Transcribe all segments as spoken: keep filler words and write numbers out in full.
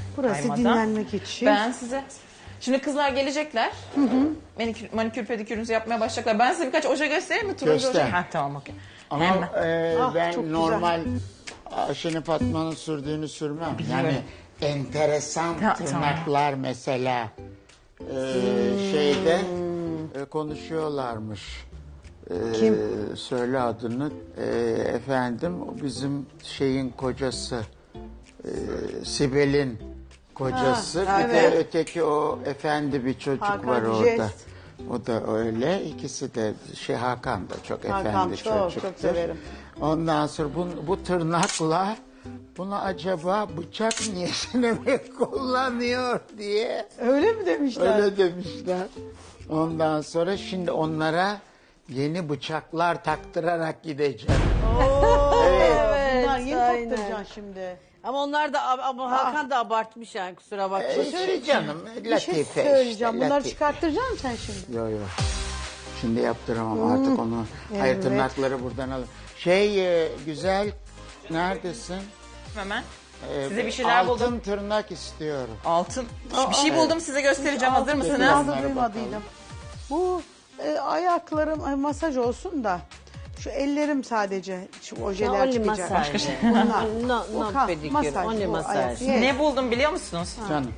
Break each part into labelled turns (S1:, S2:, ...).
S1: Burası
S2: kaymadan.
S1: dinlenmek için.
S2: Ben size... Şimdi kızlar gelecekler. Hı hı. Manikür, manikür pedikürünüzü yapmaya başlayacaklar. Ben size birkaç oje göstereyim mi? Turuncu
S3: Göster.
S2: oje. Ha, tamam okey.
S3: Ama
S2: Hemen.
S3: e,
S1: Ah, çok
S3: ben
S1: güzel.
S3: normal Ayşe'nin Fatma'nın sürdüğünü sürmem. Yani enteresan
S2: Ta-
S3: tırnaklar mesela e, şeyde e, konuşuyorlarmış. E,
S1: Kim?
S3: Söyle adını. E, efendim o bizim şeyin kocası. E, Sibel'in kocası.
S1: Ha,
S3: bir
S1: evet.
S3: de öteki o efendi bir çocuk
S1: Hakan
S3: var orada.
S1: Jest.
S3: O da öyle. İkisi de şey Hakan da çok
S1: Hakan
S3: efendi
S1: çok, çok
S3: çocuktur.
S1: severim.
S3: Ondan sonra bu, bu tırnakla bunu acaba bıçak niyetine mi kullanıyor diye
S1: Öyle mi demişler?
S3: öyle demişler. Ondan sonra şimdi onlara yeni bıçaklar taktırarak gideceğim.
S1: Oo,
S4: Evet,
S1: bunlar yeni
S4: aynen.
S1: taktıracaksın şimdi.
S4: Ama onlar da ama Hakan da abartmış yani kusura bakma.
S3: Ee, şey canım
S1: Bir
S3: latife
S1: şey
S3: işte,
S1: söyleyeceğim. Bunları
S3: latife.
S1: çıkarttıracaksın sen şimdi.
S3: Yok yok. Şimdi yaptıramam artık onu. Hayır
S1: evet.
S3: tırnakları buradan alın. Şey e, güzel neredesin?
S2: Hemen.
S3: Ee,
S2: Size bir şeyler
S3: altın
S2: buldum.
S3: tırnak istiyorum.
S2: Altın. Bir şey buldum size göstereceğim. Hazır mısınız?
S1: Ağzı
S3: Onlara
S1: duymadıydım. Bu e, ayaklarım e, masaj olsun da şu ellerim sadece şu ojeler
S4: Only
S1: çıkacak.
S4: masaj.
S1: Başka şey. Bunlar.
S4: No,
S1: O
S4: no
S1: kan-
S4: pedikür,
S1: masaj,
S4: only
S1: bu
S4: masaj.
S1: ayak. Yes.
S2: Ne buldum biliyor musunuz?
S3: Canım.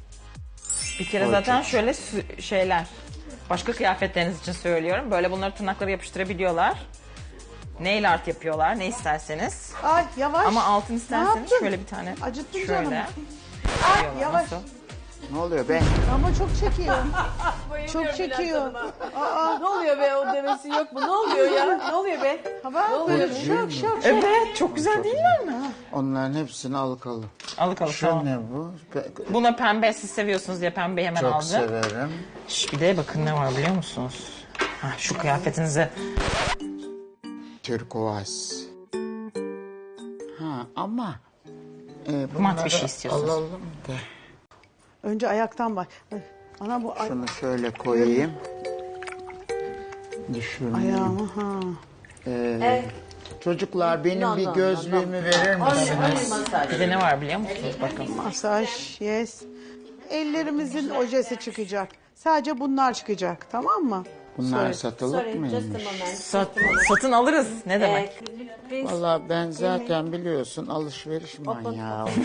S2: Bir kere
S3: Oy,
S2: zaten
S3: çok-
S2: şöyle sü- şeyler. Başka kıyafetleriniz için söylüyorum. Böyle bunları tırnaklara yapıştırabiliyorlar. Nail art yapıyorlar ne isterseniz.
S1: Ay yavaş.
S2: Ama altın
S1: Ne
S2: isterseniz
S1: yaptın?
S2: şöyle bir tane.
S1: Acıttın
S2: şöyle.
S1: canım. Ay
S2: yapıyorlar.
S1: yavaş.
S2: Nasıl?
S3: Ne oluyor be?
S1: Ama çok çekiyor. çok çekiyor. Aa,
S4: Ne oluyor be o demesi yok mu? Ne oluyor ya? Ne oluyor be?
S1: ha bak böyle şok şok şok.
S2: Evet çok güzel değiller mi?
S3: Onların hepsini alıkalım.
S2: Alık alık
S3: Şu
S2: tamam.
S3: ne bu? Pe-
S2: Buna pembe siz seviyorsunuz diye pembeyi hemen
S3: Çok
S2: aldım.
S3: severim.
S2: Şş, bir de bakın ne var biliyor musunuz? Ha, şu kıyafetinize.
S3: Turkuaz. Ha ama e,
S2: Mat bir
S3: bunları
S2: şey istiyorsunuz.
S3: alalım da.
S1: Önce ayaktan bak. Ay, ana bu ay-
S3: Şunu şöyle koyayım. Düşürmeyeyim.
S1: ayağımı ha.
S3: Ee, Çocuklar benim
S4: No,
S3: bir
S4: no,
S3: gözlüğümü verir misiniz?
S2: Bir de ne var biliyor musunuz? Bakın.
S1: Masaj yes. Ellerimizin ojesi çıkacak. Sadece bunlar çıkacak tamam mı?
S3: Bunlar
S1: Sorry.
S3: satılık
S4: Sorry, just a
S3: mıymış?
S4: moment.
S2: Sat, satın alırız. Ne demek?
S4: Please.
S3: Valla ben zaten biliyorsun alışveriş manyağı oldum.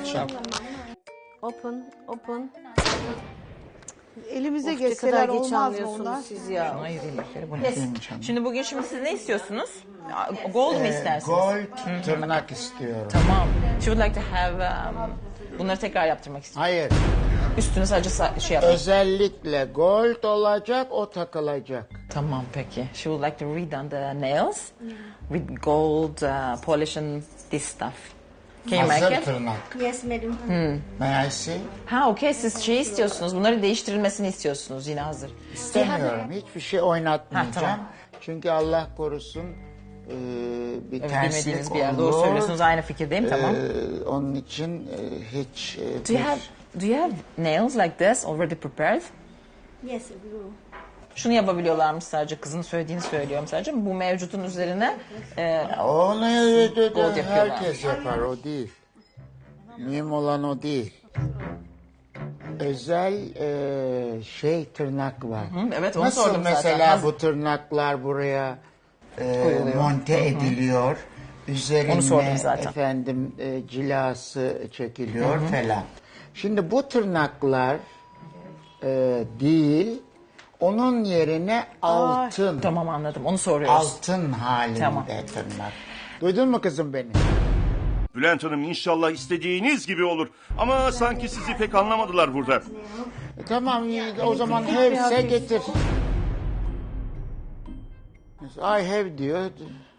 S4: Open, open.
S1: Elimize
S4: Of, ne
S1: geçseler
S4: kadar geç
S1: olmaz mı
S4: anlıyorsunuz
S1: onlar?
S4: siz ya.
S2: Şunu ayırayım bir kere. Bu ne?
S3: Benim canım.
S2: Şimdi bugün şimdi siz ne istiyorsunuz? Gold mu istersiniz?
S3: Gold tırnak istiyorum.
S2: Tamam. She would like to have... Um, bunları tekrar yaptırmak istiyorum.
S3: Hayır.
S2: Üstüne sadece sa- şey yapayım.
S3: Özellikle gold olacak, o takılacak.
S2: Tamam peki. She would like to redone the nails with gold uh, polish and this stuff. Can you make
S3: Hazır
S2: it?
S3: tırnak.
S5: Yes, madam.
S3: May I see?
S2: Ha okey siz şey istiyorsunuz. Bunları değiştirilmesini istiyorsunuz yine hazır.
S3: İstemiyorum. Hiçbir şey oynatmayacağım.
S2: Ha, tamam.
S3: Çünkü Allah korusun e, bir
S2: Evet,
S3: terslik
S2: bilmediğiniz bir yer.
S3: olur.
S2: Doğru söylüyorsunuz. Aynı fikirdeyim. Tamam.
S3: Ee, onun için e, hiç... e,
S2: Do you
S3: bir-
S2: have Do you have nails like this already prepared?
S5: Yes, we will.
S2: Şunu yapabiliyorlarmış sadece. Kızın söylediğini söylüyorum sadece. Bu mevcutun üzerine e,
S3: Onu
S2: Gold yapıyorlar.
S3: herkes yapar, o değil. Mühim olan o değil. Özel e, şey tırnak var.
S2: evet, onu
S3: Nasıl
S2: sordum zaten.
S3: mesela
S2: Haz-
S3: bu tırnaklar buraya e,
S2: Koyuluyor.
S3: monte ediliyor. Üzerine
S2: Onu sordum zaten.
S3: efendim e, cilası çekiliyor falan. Şimdi bu tırnaklar e, değil, onun yerine altın.
S2: tamam anladım. Onu soruyoruz.
S3: Altın halinde
S2: Tamam.
S3: tırnak. Duydun mu kızım beni?
S6: Bülent Hanım inşallah istediğiniz gibi olur. Ama sanki sizi pek anlamadılar burada.
S3: E, tamam iyi, o zaman have'se getir. I have diyor.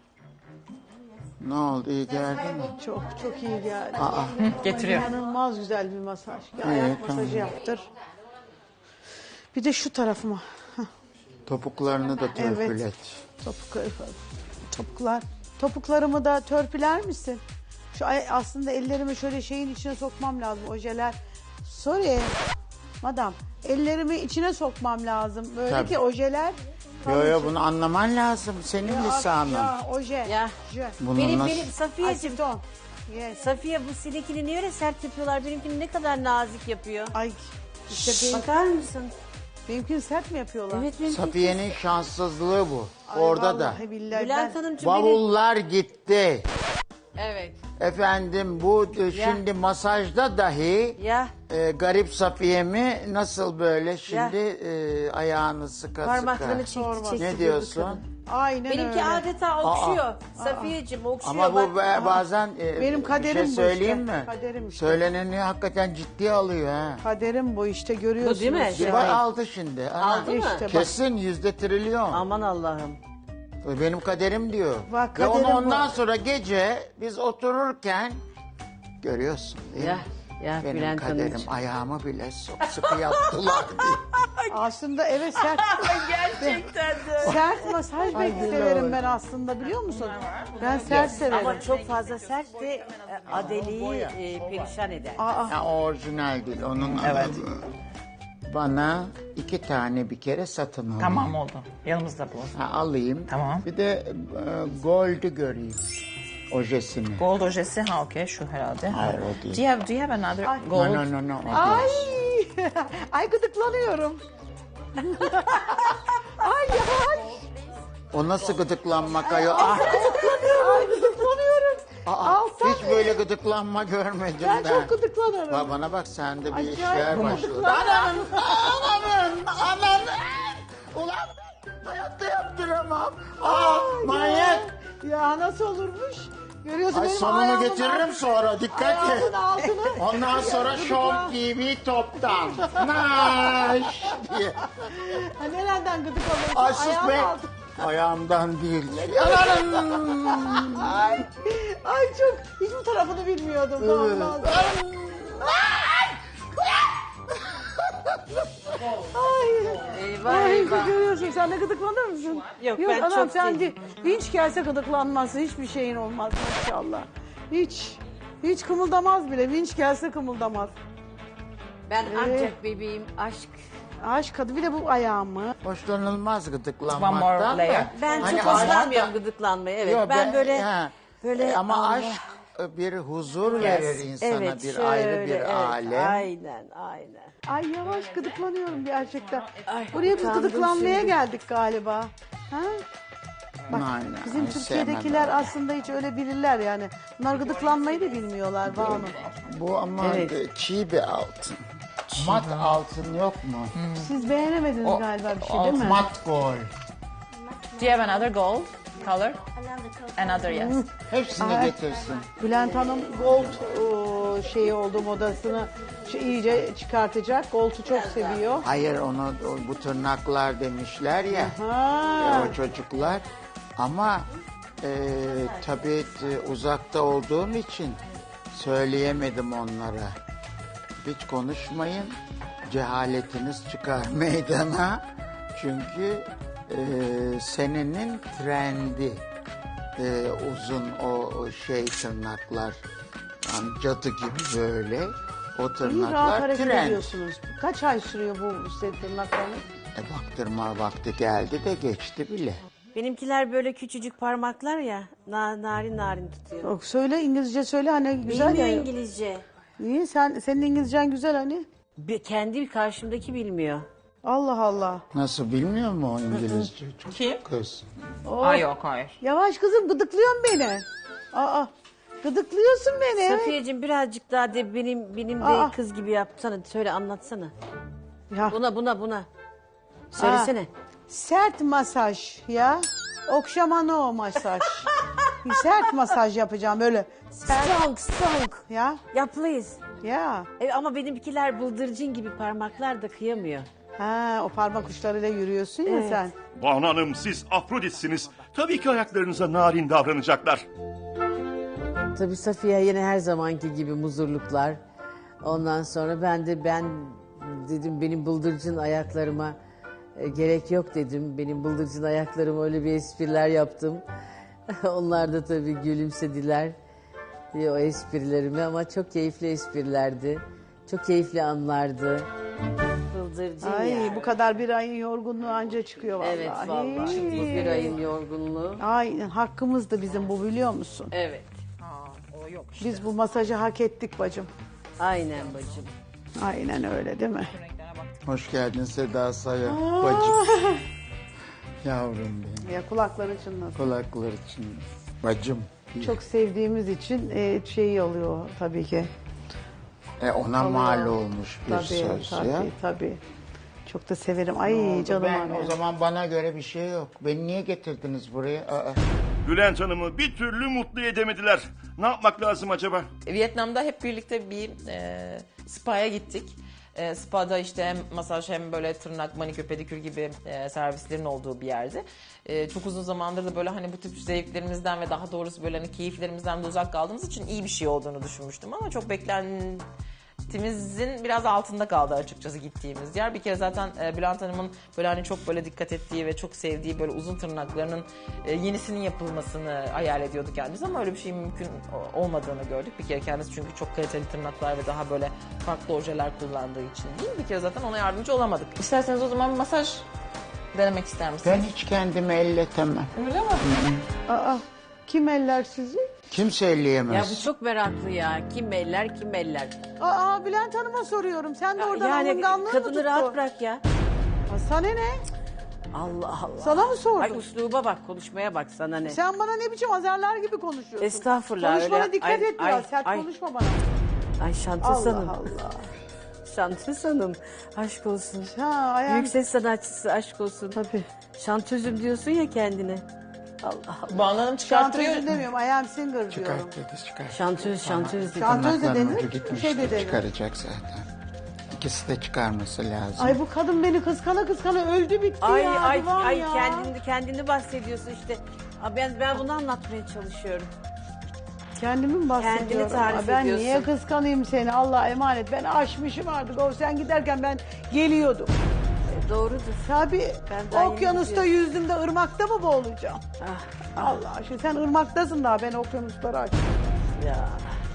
S3: Ne oldu, iyi geldi mi?
S1: Çok çok iyi geldi.
S3: Aa,
S2: Getiriyor.
S1: İnanılmaz güzel bir masaj. Bir ayak
S3: Evet,
S1: masajı
S3: tamam.
S1: yaptır. Bir de şu tarafıma. Hah,
S3: topuklarını da törpület.
S1: topuk, topuklar. Topuklarımı da törpüler misin? Şu ay- aslında ellerimi şöyle şeyin içine sokmam lazım. Ojeler. Sorry. Madam. Ellerimi içine sokmam lazım. Böyle
S3: Tabii.
S1: ki ojeler.
S3: Yo yo bunu anlaman lazım. Senin lisanın.
S1: Ya oje.
S4: Ya.
S1: Je.
S3: Bunu
S4: Benim
S3: nasıl...
S4: benim Safiyeciğim.
S1: Asiton. Yes.
S4: Safiye bu sinekini niye öyle sert yapıyorlar? Benimkini ne kadar nazik yapıyor.
S1: Ay işte benim,
S4: Bakar mısın?
S1: benimkini sert mi yapıyorlar?
S4: Evet benimki.
S3: Safiye'nin şanssızlığı bu.
S1: Ay,
S3: Orada da.
S1: vallahi billahi
S4: Bülent
S1: ben-
S4: Hanımcığım benim.
S3: Bavullar gitti.
S4: Evet.
S3: Efendim bu e, şimdi masajda dahi
S4: Ya
S3: e, garip Safiye'mi nasıl böyle şimdi e, ayağını sıka
S4: parmaklarını
S3: sıka.
S4: çekti çekti.
S3: Ne diyorsun?
S1: Aynen
S4: Benimki
S1: öyle.
S4: adeta okşuyor. Safiyeciğim okşuyor.
S3: Ama bu
S4: bak.
S3: ba- bazen e,
S1: Benim
S3: bir
S1: kaderim
S3: şey
S1: bu
S3: söyleyeyim
S1: işte.
S3: mi?
S1: Kaderim işte.
S3: Söyleneni hakikaten ciddiye alıyor ha.
S1: Kaderim bu işte görüyorsunuz.
S4: Bu değil mi?
S1: ya.
S3: Bak aldı şimdi. Aha.
S4: Aldı mı?
S1: İşte bak.
S3: Kesin yüzde trilyon.
S4: Aman Allah'ım.
S3: Benim kaderim diyor.
S1: Bak,
S3: Ve onu
S1: kaderim bu.
S3: ondan sonra gece biz otururken görüyorsun değil
S4: Ya
S3: mi?
S4: ya
S3: Benim
S4: Bülent
S3: kaderim
S4: Hanımcığım.
S3: ayağımı bile çok sıkı yaptılar diye.
S1: Aslında evet sert.
S4: Gerçekten de.
S1: Sert masaj
S3: Ay,
S1: bek-
S3: Gülay.
S1: severim ben aslında biliyor musun? Ben sert severim.
S4: Ama çok fazla sert de e, Adeli'yi e, perişan eder.
S1: Aa,
S3: Ya, o orijinal değil. Onun evet. Bana iki tane bir kere satın al.
S2: Tamam oldu. Yanımızda bu.
S3: Ha, alayım.
S2: Tamam.
S3: Bir de e, gold'ü göreyim. Ojesini.
S2: Gold ojesi ha okey şu herhalde.
S3: Hayır, o değil.
S2: Do you have, do you have another
S1: Ay.
S2: gold?
S3: No, no, no, no. o
S1: ay.
S3: değil.
S1: Ay gıdıklanıyorum. Ay yavaş.
S3: O nasıl gıdıklanmak ayol? Ah,
S1: Ay gıdıklanıyorum.
S3: aa,
S1: Alsam
S3: hiç böyle gıdıklanma görmedim
S1: ben
S3: ben.
S1: çok gıdıklanırım.
S3: Ba- Bana bak sende bir
S1: Acayip
S3: işler başladı.
S1: gıdıklanırım.
S3: Ananın, ananın, ananın. Ulan ben hayatta yaptıramam. Aa, manyak.
S1: Ya nasıl olurmuş? Görüyorsun
S3: Ay
S1: benim
S3: sonunu
S1: ayağımın
S3: getiririm
S1: altı-
S3: sonra dikkat et.
S1: Ayağımın altını.
S3: Ondan sonra Şom T V toptan. Naş diye.
S1: Ha, nereden gıdık alıyorsun?
S3: Ay sus
S1: Ayağımın
S3: be.
S1: altı-
S3: Ayağımdan değil. Ananın.
S1: Ay, ay çok hiçbir tarafını bilmiyordum. Tamam, Ay,
S4: Eyvah
S1: ay
S4: eyvah.
S1: görüyorsun sen de gıdıklanır mısın?
S4: Yok, ben
S1: anam,
S4: çok
S1: sen
S4: değil.
S1: de vinç gelse gıdıklanmazsın. Hiçbir şeyin olmaz maşallah. Hiç. Hiç kımıldamaz bile. Vinç gelse kımıldamaz.
S4: Ben
S1: Ee?
S4: ancak bebeğim aşk.
S1: Aşk adı bir de bu ayağımı.
S3: Hoşlanılmaz
S2: One more
S3: gıdıklanmaktan
S2: layer.
S3: da.
S4: Ben
S3: Hani
S4: çok
S3: aşk-
S4: hoşlanmıyorum gıdıklanmayı. Evet
S3: Yo,
S4: ben böyle
S3: ha.
S4: böyle
S3: Ama
S4: Allah.
S3: aşk bir huzur verir insana,
S4: Evet,
S3: bir
S4: şöyle,
S3: ayrı bir
S4: evet,
S3: alem.
S4: Aynen aynen.
S1: Ay yavaş gıdıklanıyorum gerçekten.
S4: Ay,
S1: Buraya biz
S4: utandım
S1: gıdıklanmaya
S4: şimdi.
S1: geldik galiba. Ha? Bak
S3: Aynen,
S1: bizim
S3: ay,
S1: Türkiye'dekiler
S3: sevmem.
S1: aslında hiç öyle bilirler yani. Bunlar gıdıklanmayı da bilmiyorlar Banu.
S3: Bu ama
S4: Evet.
S3: e, çiğ bir altın. Mat altın yok mu?
S1: Siz beğenemediniz
S2: O-
S1: galiba bir şey değil mi?
S3: Mat gold.
S2: Do you have another gold color?
S5: Another color.
S2: Another yes.
S3: Hepsini
S1: Ay.
S3: getirsin.
S1: Bülent Hanım gold o, şeyi oldu modasını şu iyice çıkartacak. Gold'u çok seviyor.
S3: Hayır onu o- bu tırnaklar demişler ya.
S1: Ha.
S3: O çocuklar. Ama e, tabii e, uzakta olduğum için söyleyemedim onlara. Hiç konuşmayın. Cehaletiniz çıkar meydana. Çünkü e, senenin trendi e, uzun o, o şey tırnaklar. Yani cadı gibi böyle. O
S1: İyi rahat
S3: tırnaklar
S1: hareket
S3: trend.
S1: ediyorsunuz. Kaç ay sürüyor bu size tırnaklarınız?
S3: E, baktırma vakti geldi de geçti bile.
S4: Benimkiler böyle küçücük parmaklar ya na, narin narin tutuyor.
S1: Yok, söyle İngilizce söyle hani güzel
S4: Bilmiyor
S1: ya.
S4: İngilizce.
S1: Niye sen senin İngilizcen güzel hani?
S4: Bir, kendi karşımdaki bilmiyor.
S1: Allah Allah.
S3: Nasıl bilmiyor mu o İngilizce?
S2: Kim?
S3: Kız.
S2: Ay yok hayır.
S1: Yavaş kızım gıdıklıyorsun beni. Aa, gıdıklıyorsun beni.
S4: Safiyeciğim birazcık daha de benim benim de
S1: Aa.
S4: kız gibi yapsana. Söyle anlatsana.
S1: Ya,
S4: Buna buna buna. Söylesene.
S1: Aa, sert masaj ya. Okşama no masaj. Bir sert masaj yapacağım böyle. Sert
S4: Strong strong.
S1: ya.
S4: Ya please.
S1: Ya.
S4: E, ama benimkiler bıldırcın gibi parmaklar da kıyamıyor.
S1: Ha, o parmak uçlarıyla yürüyorsun ya
S4: Evet.
S1: sen.
S6: Banu Hanım siz Afroditsiniz. Tabii ki ayaklarınıza narin davranacaklar.
S4: Tabii Safiye yine her zamanki gibi muzurluklar. Ondan sonra ben de ben dedim benim bıldırcın ayaklarıma e, gerek yok dedim. Benim bıldırcın ayaklarıma öyle bir espriler yaptım. Onlar da tabii gülümsediler e, o esprilerime ama çok keyifli esprilerdi. Çok keyifli anlardı. Bıldırcın
S1: Ay
S4: yani.
S1: bu kadar bir ayın yorgunluğu anca çıkıyor vallahi.
S4: Evet vallahi. Bu bir ayın yorgunluğu.
S1: Ay hakkımızdı bizim bu biliyor musun?
S4: Evet.
S2: Aa, o yok.
S4: yok işte.
S1: Biz bu masajı hak ettik bacım.
S4: Aynen bacım.
S1: Aynen öyle değil mi?
S3: Hoş geldin Seda Sayan bacım. Yavrum benim.
S1: Ya kulakları çınlasın.
S3: Kulaklar için. Bacım.
S1: Çok sevdiğimiz için e, şey oluyor tabii ki.
S3: E ona
S1: Oluyor.
S3: mal olmuş bir
S1: Tabii
S3: söz
S1: tabii
S3: ya.
S1: tabii. Çok da severim. Ay
S3: Oldu,
S1: canım
S3: ben,
S1: annem.
S3: o zaman bana göre bir şey yok. Beni niye getirdiniz buraya? Aa.
S6: Bülent Hanım'ı bir türlü mutlu edemediler. Ne yapmak lazım acaba?
S2: Vietnam'da hep birlikte bir e, spa'ya gittik. E, spa'da işte hem masaj hem böyle tırnak, manikür, pedikür gibi e, servislerin olduğu bir yerdi. E, çok uzun zamandır da böyle hani bu tip zevklerimizden ve daha doğrusu böyle hani keyiflerimizden de uzak kaldığımız için iyi bir şey olduğunu düşünmüştüm. Ama çok beklentimizin biraz altında kaldı açıkçası gittiğimiz yer. Bir kere zaten e, Bülent Hanım'ın böyle hani çok böyle dikkat ettiği ve çok sevdiği böyle uzun tırnaklarının e, yenisinin yapılmasını hayal ediyordu kendimiz ama öyle bir şeyin mümkün o- olmadığını gördük. Bir kere kendisi çünkü çok kaliteli tırnaklar ve daha böyle farklı ojeler kullandığı için değil. Bir kere zaten ona yardımcı olamadık. İsterseniz o zaman masaj denemek ister misiniz?
S3: Ben hiç kendimi elletemem.
S2: Öyle mi?
S1: Aa, kim eller sizi?
S3: Kimse
S4: Ya
S3: elleyemez.
S4: bu çok meraklı ya. Kim eller kim eller.
S1: Aa Bülent Hanım'a soruyorum. Sen de oradan
S4: Yani
S1: alınganlığı mı
S4: kadını
S1: tuttun?
S4: rahat bırak ya.
S1: Aa, sana ne?
S4: Allah Allah.
S1: Sana mı sordum?
S4: Ay usluba bak, konuşmaya bak, sana ne.
S1: Sen bana ne biçim azarlar gibi konuşuyorsun.
S4: Estağfurullah,
S1: Konuşmana
S4: öyle-
S1: dikkat
S4: ay,
S1: et biraz.
S4: ay,
S1: Sert
S4: ay.
S1: konuşma bana.
S4: Ay Şantöz
S1: Allah
S4: Hanım.
S1: Allah.
S4: Şantöz Hanım. Aşk olsun.
S1: Ha, ayağım.
S4: Büyük ses sanatçısı, aşk olsun.
S1: Tabii.
S4: Şantözüm diyorsun ya kendine. Allah Allah.
S2: Banu Hanım çıkarttırıyor.
S1: Şantözü demiyorum. Ayağım singer diyorum.
S3: Çıkart dedi çıkart.
S4: Şantöz, şantöz dedi.
S1: Şantöz de
S3: Tırnakların
S1: denir,
S3: ucu gitmiş.
S1: şey de denir.
S3: Çıkaracak zaten. İkisi de çıkarması lazım.
S1: Ay bu kadın beni kıskana kıskana öldü bitti
S4: Ay
S1: ya.
S4: ay
S1: Divan
S4: ay
S1: ya.
S4: kendini kendini bahsediyorsun işte. Aa, Ben ben bunu anlatmaya çalışıyorum.
S1: Kendimi mi bahsediyorum?
S4: Kendini tarif
S1: Aa, ben
S4: ediyorsun.
S1: niye kıskanayım seni? Allah'a emanet. Ben aşmışım artık. O sen giderken ben geliyordum.
S4: E, Doğrudur.
S1: Tabii.
S4: Ben daha yeni
S1: Okyanusta
S4: gidiyorum.
S1: yüzdüm de ırmakta mı boğulacağım?
S4: Ah,
S1: Allah aşkına sen ırmaktasın daha, ben okyanusları açtım.
S4: ya.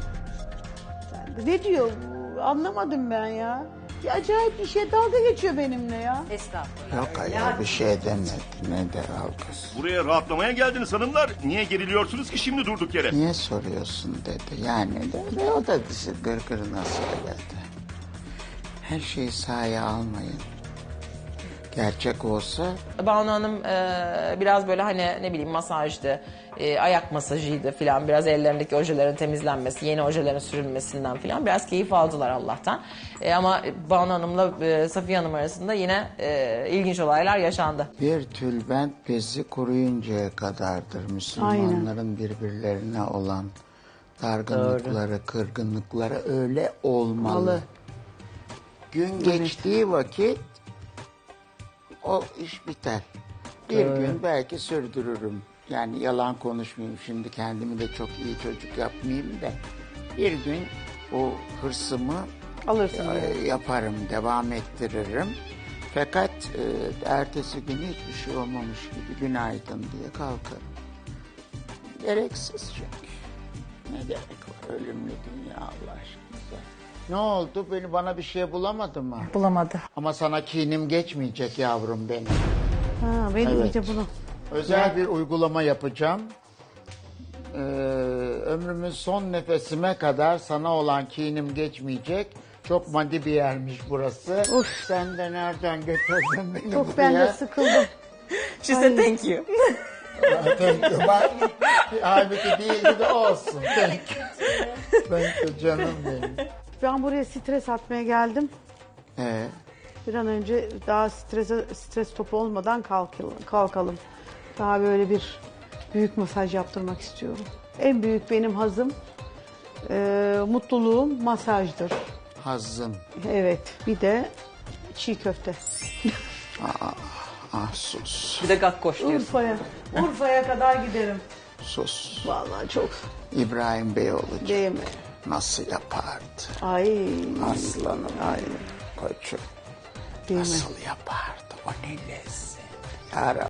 S1: Sen de ne diyor bu? Anlamadım ben ya. Bir acayip bir şey, dalga geçiyor benimle ya.
S4: Estağfurullah.
S3: Yok ayol bir şey demedi. Ne der kız.
S6: Buraya rahatlamaya geldiniz hanımlar. Niye geriliyorsunuz ki şimdi durduk yere?
S3: Niye soruyorsun dedi. Yani de ve o da dışı gırgırına söyledi. Her şeyi sahaya almayın. Gerçek olsa
S2: Banu Hanım e, biraz böyle hani ne bileyim masajdı, e, ayak masajıydı filan, biraz ellerindeki ojelerin temizlenmesi, yeni ojelerin sürülmesinden filan biraz keyif aldılar Allah'tan. E, ama Banu Hanım'la e, Safiye Hanım arasında yine e, ilginç olaylar yaşandı.
S3: bir tülbent bezi kuruyuncaya kadardır Müslümanların birbirlerine olan dargınlıkları, kırgınlıkları öyle olmalı.
S1: Malı.
S3: Gün geçtiği vakit o iş biter. Bir gün belki sürdürürüm. Yani yalan konuşmayayım şimdi, kendimi de çok iyi çocuk yapmayayım da. Bir gün o hırsımı
S1: Alırsın.
S3: e, yaparım, devam ettiririm. Fakat e, ertesi gün hiçbir şey olmamış gibi günaydın diye kalkarım. Gereksiz çünkü. Ne gerek var ölümlü dünya Allah aşkına. Ne oldu? Beni bana bir şey bulamadı mı?
S2: Bulamadı.
S3: Ama sana kinim geçmeyecek yavrum benim.
S1: Ha, benim
S3: Evet.
S1: iyice bunu.
S3: Özel bir uygulama yapacağım. Ee, ömrümün son nefesime kadar sana olan kinim geçmeyecek. Çok maddi bir yermiş burası.
S1: Of.
S3: Sen de nereden getirdin beni
S1: Çok ben de
S3: buraya?
S1: sıkıldım.
S2: She said thank you.
S3: Thank you. Bak, halbuki değildi de olsun. Thank you. Thank you canım benim.
S1: Ben buraya stres atmaya geldim.
S3: Ee,
S1: Bir an önce daha strese, stres topu olmadan kalkalım, kalkalım. Daha böyle bir büyük masaj yaptırmak istiyorum. En büyük benim hazım, e, mutluluğum masajdır.
S3: hazım.
S1: Evet, bir de çiğ köfte.
S3: Ah sus.
S2: Bir de gakkoş diyorsun.
S1: Urfa'ya, Urfa'ya kadar giderim.
S3: Sus.
S1: Vallahi çok
S3: İbrahim Beyoğlu
S1: değil mi?
S3: nasıl yapardı?
S1: Ay,
S3: Aslanım.
S1: ay,
S3: Koçum.
S1: değil mi?
S3: Nasıl yapardı? O ne lezzet. Ya Rabbi.